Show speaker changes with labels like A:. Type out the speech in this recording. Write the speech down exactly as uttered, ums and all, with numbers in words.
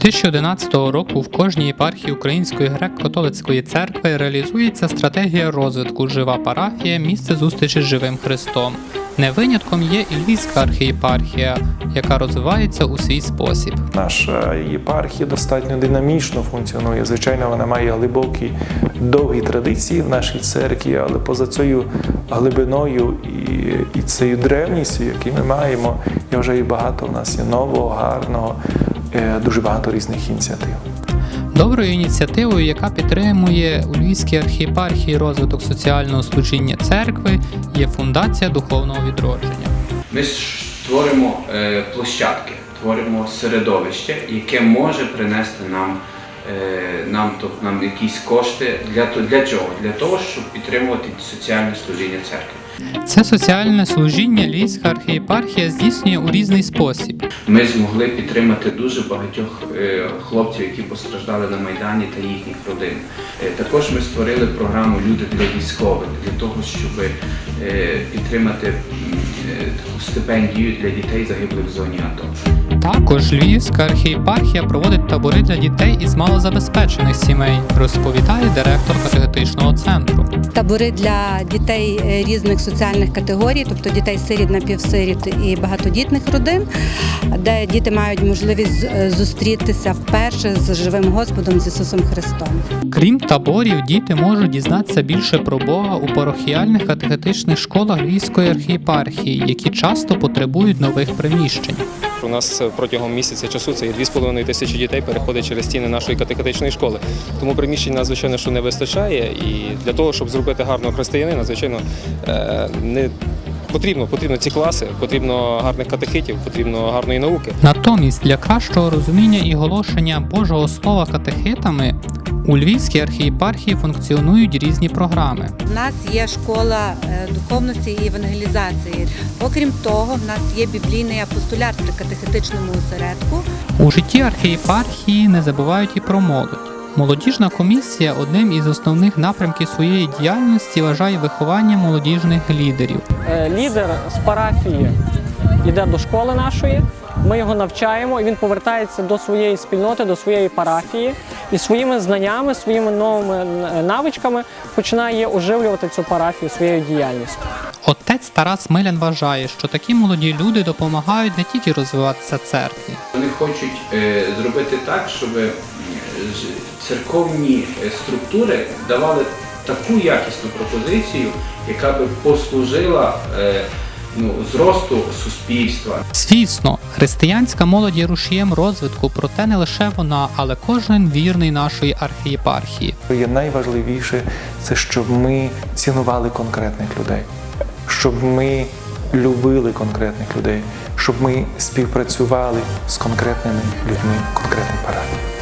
A: дві тисячі одинадцятого року в кожній єпархії Української греко-католицької церкви реалізується стратегія розвитку «Жива парафія. Місце зустрічі з живим Христом». Не винятком є і Львівська архієпархія, яка розвивається у свій спосіб.
B: Наша єпархія достатньо динамічно функціонує. Звичайно, вона має глибокі, довгі традиції в нашій церкві, але поза цією глибиною і, і цією древністю, яку ми маємо, і вже і багато в нас є нового, гарного, дуже багато різних ініціатив.
A: Доброю ініціативою, яка підтримує у Львівській архієпархії розвиток соціального служіння церкви, є Фундація Духовного відродження.
C: Ми створимо е, площадки, творимо середовище, яке може принести нам, е, нам, тобто, нам якісь кошти. Для, для чого? Для того, щоб підтримувати соціальне служіння церкви.
A: Це соціальне служіння Львівська архієпархія здійснює у різний спосіб.
C: Ми змогли підтримати дуже багатьох е, хлопців, які постраждали на Майдані та їхніх родин. Е, також ми створили програму «Люди для військових» для того, щоб е, підтримати е, таку стипендію для дітей, загиблих в зоні АТО.
A: Також Львівська архієпархія проводить табори для дітей із малозабезпечених сімей, розповідає директор катехетичного центру.
D: Табори для дітей різних соціальних категорій, тобто дітей-сиріт, напівсиріт і багатодітних родин, де діти мають можливість зустрітися вперше з живим Господом, з Ісусом Христом.
A: Крім таборів, діти можуть дізнатися більше про Бога у парохіальних катехетичних школах Львівської архієпархії, які часто потребують нових приміщень.
E: У нас протягом місяця часу це є дві з половиною тисячі дітей переходить через стіни нашої катехетичної школи. Тому приміщень нас, звичайно, що не вистачає. І для того, щоб зробити гарного християнина, звичайно, не потрібно, потрібно ці класи, потрібно гарних катехитів, потрібно гарної науки.
A: Натомість для кращого розуміння і оголошення Божого Слова катехитами у Львівській архієпархії функціонують різні програми.
D: У нас є школа духовності і евангелізації. Окрім того, в нас є біблійний апостолят при катехетичному осередку.
A: У житті архієпархії не забувають і про молодь. Молодіжна комісія одним із основних напрямків своєї діяльності вважає виховання молодіжних лідерів.
F: Лідер з парафії йде до школи нашої, ми його навчаємо, і він повертається до своєї спільноти, до своєї парафії і своїми знаннями, своїми новими навичками починає оживлювати цю парафію своєю діяльністю.
A: Отець Тарас Милян вважає, що такі молоді люди допомагають не тільки розвиватися церкві.
C: Вони хочуть е, зробити так, щоб церковні структури давали таку якісну пропозицію, яка би послужила е, ну, зросту суспільства.
A: Звісно, християнська молодь є рушієм розвитку, проте не лише вона, але кожен вірний нашої архієпархії.
B: Є найважливіше – це щоб ми цінували конкретних людей, щоб ми любили конкретних людей, щоб ми співпрацювали з конкретними людьми, конкретних парафій.